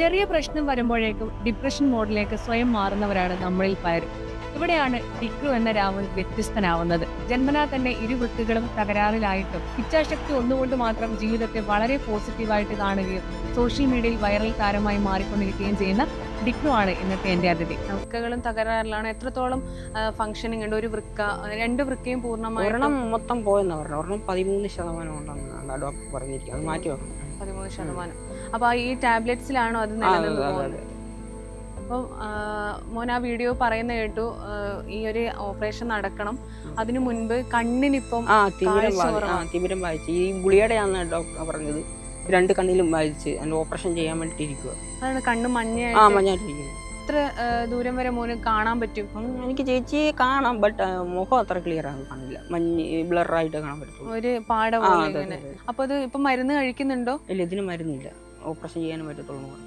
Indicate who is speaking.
Speaker 1: ചെറിയ പ്രശ്നം വരുമ്പോഴേക്കും ഡിപ്രഷൻ മോഡിലേക്ക് സ്വയം മാറുന്നവരാണ് നമ്മളിൽ പലരും. ഇവിടെയാണ് ഡിക്രു എന്ന രാഹുൽ വ്യത്യസ്തനാവുന്നത്. ജന്മനാ തന്നെ ഇരുവൃത്തികളും തകരാറിലായിട്ടും ഇച്ഛാശക്തി ഒന്നുകൊണ്ട് മാത്രം ജീവിതത്തെ വളരെ പോസിറ്റീവായിട്ട് കാണുകയും സോഷ്യൽ മീഡിയയിൽ വൈറൽ താരമായി മാറിക്കൊണ്ടിരിക്കുകയും ചെയ്യുന്ന ഡിക്രു ആണ് ഇന്നത്തെ എന്റെ അതിഥി. വൃക്കകളും തകരാറിലാണ്. എത്രത്തോളം ഫംഗ്ഷനിങ് ഉണ്ട്? ഒരു വൃക്ക, രണ്ട് വൃക്കയും പൂർണ്ണമായി
Speaker 2: ഒരെണ്ണം മൊത്തം പോയെന്ന് പറഞ്ഞു. ഒരെണ്ണം 13% ഉണ്ടെന്നാണ് ഡോക്ടർ പറഞ്ഞിരിക്കുന്നത്. അത് മാറ്റി വെക്കണം.
Speaker 1: 13%. അപ്പൊ ഈ ടാബ്ലറ്റ്സിലാണോ അത് നിലനിന്ന് പോകുന്നത്? അപ്പം മോൻ ആ വീഡിയോ പറയുന്ന കേട്ടു, ഈ ഒരു ഓപ്പറേഷൻ നടക്കണം, അതിനു മുൻപ് കണ്ണിനിപ്പം
Speaker 2: തിമിരം വായിച്ച് ഈ ഗുളികയുടെയാന്ന് ഡോക്ടർ പറഞ്ഞത്. 2 കണ്ണിലും വായിച്ച് അതിന്റെ ഓപ്പറേഷൻ ചെയ്യാൻ വേണ്ടിട്ട് ഇരിക്കുക.
Speaker 1: അതാണ് കണ്ണ് മഞ്ഞായിട്ടിരിക്കുന്നത്. എത്ര ദൂരം വരെ മോന് കാണാൻ പറ്റും?
Speaker 2: എനിക്ക് ചേച്ചിയെ കാണാം, ബട്ട് മുഖം അത്ര ക്ലിയർ ആകും കാണില്ല. മഞ്ഞ് ബ്ലറായിട്ട് കാണാൻ പറ്റും.
Speaker 1: ഒരു പാട പോലെ. അപ്പൊ അത് ഇപ്പൊ മരുന്ന് കഴിക്കുന്നുണ്ടോ?
Speaker 2: ഇല്ല, ഇതിന് മരുന്നില്ല. ഓപ്പറേഷൻ ചെയ്യാനും പറ്റത്തുള്ളൂ.